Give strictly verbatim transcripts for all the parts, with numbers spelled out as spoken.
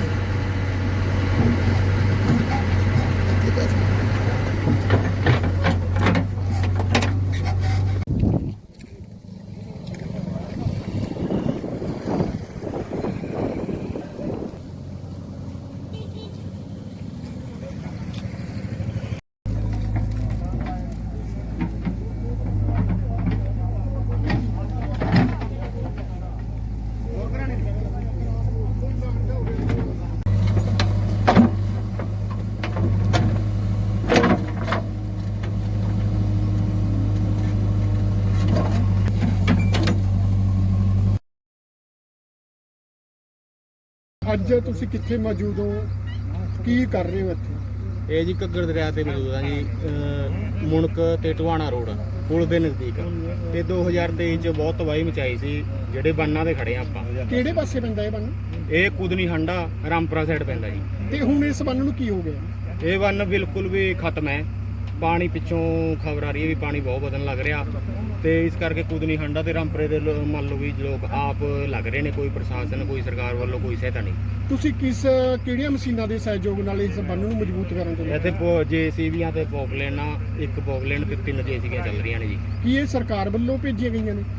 ਅੱਜ ਤੁਸੀਂ ਕਿੱਥੇ ਮੌਜੂਦ ਹੋ, ਕੀ ਕਰ ਰਹੇ ਹੋ ਇੱਥੇ? ਇਹ ਜੀ ਘੱਗਰ ਦਰਿਆ ਤੇ ਮੌਜੂਦ ਆ ਜੀ, ਮੁਣਕ ਤੇ ਟਵਾਣਾ ਰੋਡ ਪੁਲ ਦੇ ਨਜ਼ਦੀਕ। ਤੇ ਦੋ ਹਜ਼ਾਰ ਤੇਈ ਚ ਬਹੁਤ ਤਬਾਹੀ ਮਚਾਈ ਸੀ। ਜਿਹੜੇ ਬੰਨਾਂ ਤੇ ਖੜੇ ਆ ਆਪਾਂ। ਕਿਹੜੇ ਪਾਸੇ ਪੈਂਦਾ ਇਹ ਬੰਨ? ਇਹ ਕੁਦਨੀ ਹੰਡਾ ਰਾਮਪੁਰਾ ਸਾਈਡ ਪੈਂਦਾ ਜੀ। ਤੇ ਹੁਣ ਇਸ ਬੰਨ ਨੂੰ ਕੀ ਹੋ ਗਿਆ? ਇਹ ਬੰਨ ਬਿਲਕੁਲ ਵੀ ਖਤਮ ਹੈ। ਪਾਣੀ ਪਿੱਛੋਂ ਖਬਰ ਆ ਰਹੀ ਹੈ ਵੀ ਪਾਣੀ ਬਹੁਤ ਵਧਣ ਲੱਗ ਰਿਹਾ, ਤੇ ਇਸ ਕਰਕੇ ਕੁਦਨੀ ਹੰਡਾ ਤੇ ਰਾਮਪੁਰੇ ਦੇ ਮੰਨ ਲਓ ਵੀ ਲੋਕ ਆਪ ਲੱਗ ਰਹੇ ਨੇ। ਕੋਈ ਪ੍ਰਸ਼ਾਸਨ, ਕੋਈ ਸਰਕਾਰ ਵੱਲੋਂ ਕੋਈ ਸਹਾਇਤਾ ਨਹੀਂ। ਤੁਸੀਂ ਕਿਸ ਕਿਹੜੀਆਂ ਮਸ਼ੀਨਾਂ ਦੇ ਸਹਿਯੋਗ ਨਾਲ ਇਸ ਬੰਨ ਨੂੰ ਮਜ਼ਬੂਤ ਕਰਨ ਦੇ? ਇੱਥੇ ਜੇਸੀਬੀਆਂ ਤੇ ਪੋਪਲੇਨਾਂ, ਇੱਕ ਪੋਪਲੇਨ ਤੇ ਤਿੰਨ ਜੇਸੀਬੀਆਂ ਚੱਲ ਰਹੀਆਂ ਨੇ ਜੀ। ਕੀ ਇਹ ਸਰਕਾਰ ਵੱਲੋਂ ਭੇਜੀਆਂ ਗਈਆਂ ਨੇ?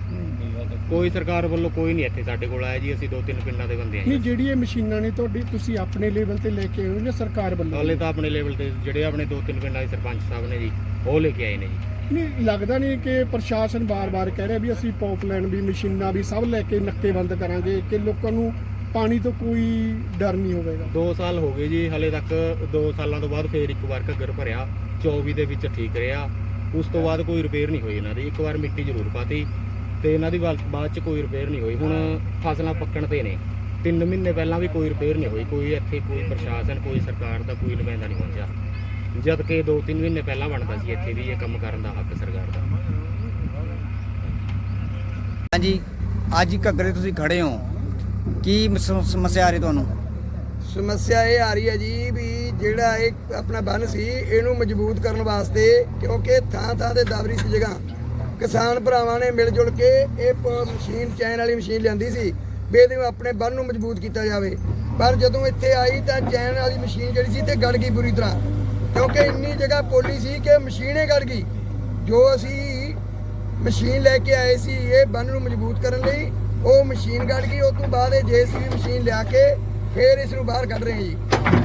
ਕੋਈ ਸਰਕਾਰ ਵੱਲੋਂ ਕੋਈ ਨਹੀਂ ਇੱਥੇ ਸਾਡੇ ਕੋਲ ਆਇਆ ਜੀ। ਅਸੀਂ ਦੋ ਤਿੰਨ ਪਿੰਡਾਂ ਦੇ ਬੰਦੇ ਆਂ। ਨਹੀਂ, ਜਿਹੜੀ ਇਹ ਮਸ਼ੀਨਾਂ ਨੇ ਤੁਹਾਡੀ, ਤੁਸੀਂ ਆਪਣੇ ਲੈਵਲ ਤੇ ਲੈ ਕੇ ਆਏ ਹੋ ਜਾਂ ਸਰਕਾਰ ਵੱਲੋਂ? ਹਾਲੇ ਤਾਂ ਆਪਣੇ ਲੈਵਲ ਤੇ ਜਿਹੜੇ ਆਪਣੇ ਦੋ ਤਿੰਨ ਪਿੰਡਾਂ ਦੇ ਸਰਪੰਚ ਸਾਹਿਬ ਨੇ ਜੀ, ਉਹ ਲੈ ਕੇ ਆਏ ਨੇ ਜੀ। ਨਹੀਂ ਲੱਗਦਾ ਨਹੀਂ ਕਿ ਪ੍ਰਸ਼ਾਸਨ ਬਾਰ-ਬਾਰ ਕਹਿ ਰਿਹਾ ਵੀ ਅਸੀਂ ਪਾਈਪਲਾਈਨ ਵੀ, ਮਸ਼ੀਨਾਂ ਵੀ ਸਭ ਲੈ ਕੇ ਨੱਕੇ ਬੰਦ ਕਰਾਂਗੇ, ਕਿ ਲੋਕਾਂ ਨੂੰ ਪਾਣੀ ਤੋਂ ਕੋਈ ਡਰ ਨਹੀਂ ਹੋਵੇਗਾ? ਦੋ ਸਾਲ ਹੋ ਗਏ ਜੀ, ਹਲੇ ਤੱਕ ਦੋ ਸਾਲਾਂ ਤੋਂ ਬਾਅਦ ਫੇਰ ਇੱਕ ਵਾਰ ਘੱਗਰ ਭਰਿਆ। ਚੌਵੀ ਦੇ ਵਿੱਚ ਠੀਕ ਰਿਹਾ, ਉਸ ਤੋਂ ਬਾਅਦ ਕੋਈ ਰਿਪੇਅਰ ਨਹੀਂ ਹੋਈ ਇਹਨਾਂ ਦੀ। ਇੱਕ ਵਾਰ ਮਿੱਟੀ ਜ਼ਰੂਰ ਪਾਤੀ ਤੇ ਇਹਨਾਂ ਦੀ ਬਾਅਦ ਚ ਕੋਈ ਰਿਪੇਅਰ ਨਹੀਂ ਹੋਈ। ਹੁਣ ਫਸਲਾਂ ਪੱਕਣ ਤੇ ਨੇ, ਤਿੰਨ ਮਹੀਨੇ ਪਹਿਲਾਂ ਵੀ ਕੋਈ ਰਿਪੇਅਰ ਨਹੀਂ ਹੋਈ। ਕੋਈ ਇੱਥੇ ਕੋਈ ਪ੍ਰਸ਼ਾਸਨ, ਕੋਈ ਸਰਕਾਰ ਦਾ ਕੋਈ ਨੁਮਾਇੰਦਾ ਨਹੀਂ ਪਹੁੰਚਿਆ, ਜਦ ਕਿ ਦੋ ਤਿੰਨ ਮਹੀਨੇ ਪਹਿਲਾਂ ਬਣਦਾ ਸੀ ਇੱਥੇ ਵੀ ਇਹ ਕੰਮ ਕਰਨ ਦਾ ਹੱਕ ਸਰਕਾਰ ਦਾ। ਹਾਂਜੀ, ਅੱਜ ਘੱਗਰੇ ਤੁਸੀਂ ਖੜੇ ਹੋ, ਕੀ ਸਮੱਸਿਆ ਆ ਰਹੀ ਤੁਹਾਨੂੰ? ਸਮੱਸਿਆ ਇਹ ਆ ਰਹੀ ਹੈ ਜੀ ਵੀ ਜਿਹੜਾ ਇਹ ਆਪਣਾ ਬੰਨ ਸੀ, ਇਹਨੂੰ ਮਜ਼ਬੂਤ ਕਰਨ ਵਾਸਤੇ, ਕਿਉਂਕਿ ਥਾਂ ਥਾਂ ਤੇ ਦਬਰੀ ਸੀ ਜਗ੍ਹਾ, ਕਿਸਾਨ ਭਰਾਵਾਂ ਨੇ ਮਿਲ ਜੁਲ ਕੇ ਇਹ ਮਸ਼ੀਨ, ਚੈਨ ਵਾਲੀ ਮਸ਼ੀਨ ਲਿਆਂਦੀ ਸੀ ਵੀ ਇਹਦੇ ਆਪਣੇ ਬੰਨ ਨੂੰ ਮਜ਼ਬੂਤ ਕੀਤਾ ਜਾਵੇ। ਪਰ ਜਦੋਂ ਇੱਥੇ ਆਈ ਤਾਂ ਚੈਨ ਵਾਲੀ ਮਸ਼ੀਨ ਜਿਹੜੀ ਸੀ ਤੇ ਗੜ ਗਈ ਬੁਰੀ ਤਰ੍ਹਾਂ, ਕਿਉਂਕਿ ਇੰਨੀ ਜਗ੍ਹਾ ਪੋਲੀ ਸੀ ਕਿ ਮਸ਼ੀਨੇ ਗੜ ਗਈ। ਜੋ ਅਸੀਂ ਮਸ਼ੀਨ ਲੈ ਕੇ ਆਏ ਸੀ ਇਹ ਬੰਨ ਨੂੰ ਮਜ਼ਬੂਤ ਕਰਨ ਲਈ, ਉਹ ਮਸ਼ੀਨ ਗੜ ਗਈ। ਉਸ ਤੋਂ ਬਾਅਦ ਇਹ ਜੇਸੀਬੀ ਮਸ਼ੀਨ ਲਿਆ ਕੇ ਫਿਰ ਇਸ ਨੂੰ ਬਾਹਰ ਕੱਢ ਰਹੇ ਹਾਂ ਜੀ।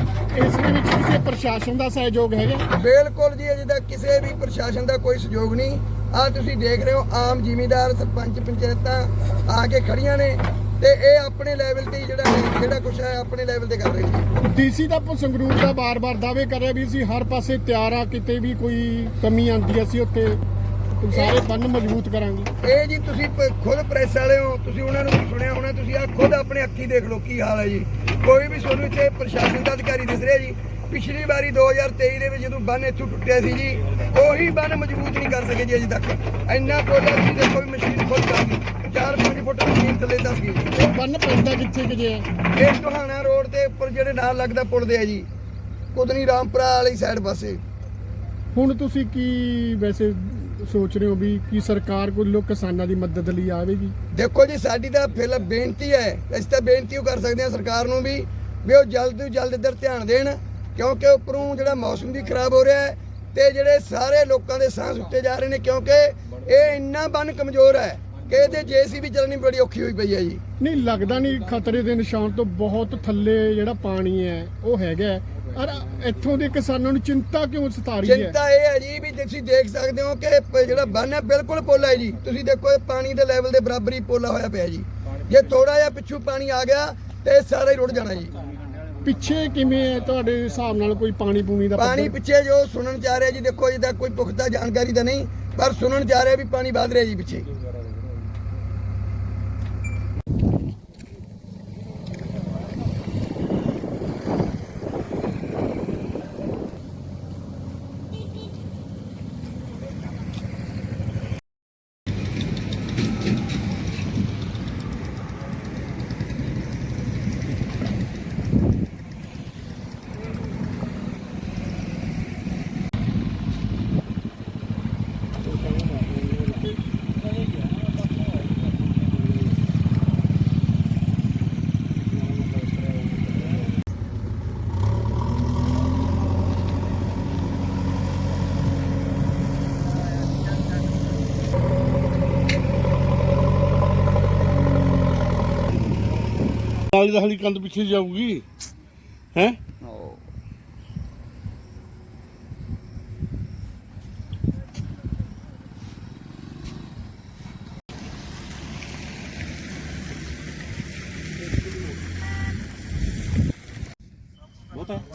ਇਸ ਦੇ ਵਿੱਚ ਕਿਸੇ ਪ੍ਰਸ਼ਾਸਨ ਦਾ ਸਹਿਯੋਗ ਹੈਗਾ? ਬਿਲਕੁਲ ਜੀ, ਅਜੇ ਤੱਕ ਕਿਸੇ ਵੀ ਪ੍ਰਸ਼ਾਸਨ ਦਾ ਕੋਈ ਸਹਿਯੋਗ ਨਹੀਂ। ਆਹ ਤੁਸੀਂ ਦੇਖ ਰਹੇ ਹੋ, ਆਮ ਜ਼ਿਮੀਂਦਾਰ, ਸਰਪੰਚ, ਪੰਚਾਇਤਾਂ ਆ ਕੇ ਖੜੀਆਂ ਨੇ ਤੇ ਇਹ ਆਪਣੇ ਲੈਵਲ ਤੇ ਜਿਹੜਾ ਜਿਹੜਾ ਕੁਛ ਹੈ ਆਪਣੇ ਲੈਵਲ ਤੇ ਕਰ ਰਹੇ ਨੇ। ਡੀਸੀ ਦਾ ਸੰਗਰੂਰ ਦਾ ਬਾਰ-ਬਾਰ ਦਾਅਵੇ ਕਰ ਰਿਹਾ ਵੀ ਅਸੀਂ ਹਰ ਪਾਸੇ ਤਿਆਰ ਆ, ਕਿਤੇ ਵੀ ਕੋਈ ਕਮੀ ਆਉਂਦੀ ਅਸੀਂ ਉੱਥੇ ਸਾਰੇ ਬੰਨ ਮਜ਼ਬੂਤ ਕਰਾਂਗੇ। ਇਹ ਜੀ ਤੁਸੀਂ ਖੁਦ ਪ੍ਰੈਸ ਵਾਲੇ ਹੋ, ਤੁਸੀਂ ਉਹਨਾਂ ਨੂੰ ਸੁਣਿਆ ਹੋਣਾ, ਤੁਸੀਂ ਆ ਖੁਦ ਆਪਣੇ ਅੱਖੀ ਦੇਖ ਲਓ ਕੀ ਹਾਲ ਹੈ ਜੀ। ਕੋਈ ਵੀ ਤੁਹਾਨੂੰ ਇੱਥੇ ਪ੍ਰਸ਼ਾਸਨ ਦਾ ਅਧਿਕਾਰੀ ਦਿਸ ਰਿਹਾ ਜੀ? ਪਿਛਲੀ ਵਾਰੀ ਦੋ ਹਜ਼ਾਰ ਤੇਈ ਦੇ ਵਿੱਚ ਜਦੋਂ ਬੰਨ ਇੱਥੋਂ ਟੁੱਟਿਆ ਸੀ ਜੀ, ਉਹੀ ਬੰਨ ਮਜ਼ਬੂਤ ਨਹੀਂ ਕਰ ਸਕੇ ਜੀ ਅਜੇ ਤੱਕ। ਇੰਨਾ ਪੋਲਾ ਸੀ, ਦੇਖੋ ਵੀ ਮਸ਼ੀਨ ਖੁਦ ਕਰ ਗਈ, ਚਾਰ ਪੰਜ ਫੁੱਟ ਮਸ਼ੀਨ ਥੱਲੇ ਦੱਸ ਗਈ। ਇਹ ਬੰਨ ਪੈਂਦਾ ਕਿੱਥੇ ਕਿ ਜੇ? ਇਹ ਟੋਹਾਣਾ ਰੋਡ ਦੇ ਉੱਪਰ ਜਿਹੜੇ ਨਾਲ ਲੱਗਦਾ ਪੁਲ ਦੇ ਆ ਜੀ, ਕੁਦਨੀ ਰਾਮਪੁਰਾ ਵਾਲੀ ਸਾਈਡ ਪਾਸੇ। ਹੁਣ ਤੁਸੀਂ ਕੀ ਵੈਸੇ ਸੋਚ ਰਹੇ ਹੋ ਵੀ ਕੀ ਸਰਕਾਰ ਕੋਲੋਂ ਕਿਸਾਨਾਂ ਦੀ ਮਦਦ ਲਈ ਆਵੇਗੀ? ਦੇਖੋ ਜੀ, ਸਾਡੀ ਤਾਂ ਫਿਰ ਬੇਨਤੀ ਹੈ, ਅਸੀਂ ਤਾਂ ਬੇਨਤੀ ਉਹ ਕਰ ਸਕਦੇ ਹਾਂ ਸਰਕਾਰ ਨੂੰ ਵੀ ਵੀ ਉਹ ਜਲਦ ਤੋਂ ਜਲਦ ਇੱਧਰ ਧਿਆਨ ਦੇਣ, ਕਿਉਂਕਿ ਉੱਪਰੋਂ ਜਿਹੜਾ ਮੌਸਮ ਵੀ ਖਰਾਬ ਹੋ ਰਿਹਾ ਹੈ ਤੇ ਜਿਹੜੇ ਸਾਰੇ ਲੋਕਾਂ ਦੇ ਸਾਹ ਸੁੱਟੇ ਜਾ ਰਹੇ ਨੇ, ਕਿਉਂਕਿ ਇਹ ਇੰਨਾ ਬੰਨ ਕਮਜ਼ੋਰ ਹੈ ਕਿ ਇਹਦੇ ਜੇਸੀਬੀ ਚੱਲਣੀ ਬੜੀ ਔਖੀ ਹੋਈ ਪਈ ਹੈ ਜੀ। ਨਹੀਂ ਲੱਗਦਾ ਨਹੀਂ ਖਤਰੇ ਦੇ ਨਿਸ਼ਾਨ ਤੋਂ ਬਹੁਤ ਥੱਲੇ ਜਿਹੜਾ ਪਾਣੀ ਹੈ ਉਹ ਹੈਗਾ, ਔਰ ਇੱਥੋਂ ਦੇ ਕਿਸਾਨਾਂ ਨੂੰ ਚਿੰਤਾ ਕਿਉਂ ਸਤਾ ਰਹੀ ਹੈ? ਚਿੰਤਾ ਇਹ ਹੈ ਜੀ ਵੀ ਤੁਸੀਂ ਦੇਖ ਸਕਦੇ ਹੋ ਕਿ ਜਿਹੜਾ ਬੰਨ ਹੈ ਬਿਲਕੁਲ ਪੋਲਾ ਹੈ ਜੀ। ਤੁਸੀਂ ਦੇਖੋ ਇਹ ਪਾਣੀ ਦੇ ਲੈਵਲ ਦੇ ਬਰਾਬਰ ਹੀ ਪੋਲਾ ਹੋਇਆ ਪਿਆ ਜੀ। ਜੇ ਥੋੜਾ ਜਿਹਾ ਪਿੱਛੋਂ ਪਾਣੀ ਆ ਗਿਆ ਤੇ ਸਾਰਾ ਹੀ ਰੁੜ ਜਾਣਾ ਜੀ। ਪਿੱਛੇ ਕਿਵੇਂ ਹੈ ਤੁਹਾਡੇ ਹਿਸਾਬ ਨਾਲ ਕੋਈ ਪਾਣੀ ਪੂਣੀ ਦਾ ਪਾਣੀ ਪਿੱਛੇ ਜੋ ਸੁਣਨ ਚ ਆ ਰਿਹਾ ਜੀ, ਦੇਖੋ ਅਜੇ ਤੱਕ ਕੋਈ ਪੁਖਤਾ ਜਾਣਕਾਰੀ ਤਾਂ ਨਹੀਂ, ਪਰ ਸੁਣਨ ਚ ਆ ਰਿਹਾ ਵੀ ਪਾਣੀ ਵਧ ਰਿਹਾ ਜੀ ਪਿੱਛੇ। ਨਾਲੀ ਦਾ ਹਲੀ ਕੰਧ ਪਿੱਛੇ ਜਾਊਗੀ ਹੈ। ਉਹ ਬਹੁਤ ਹੈ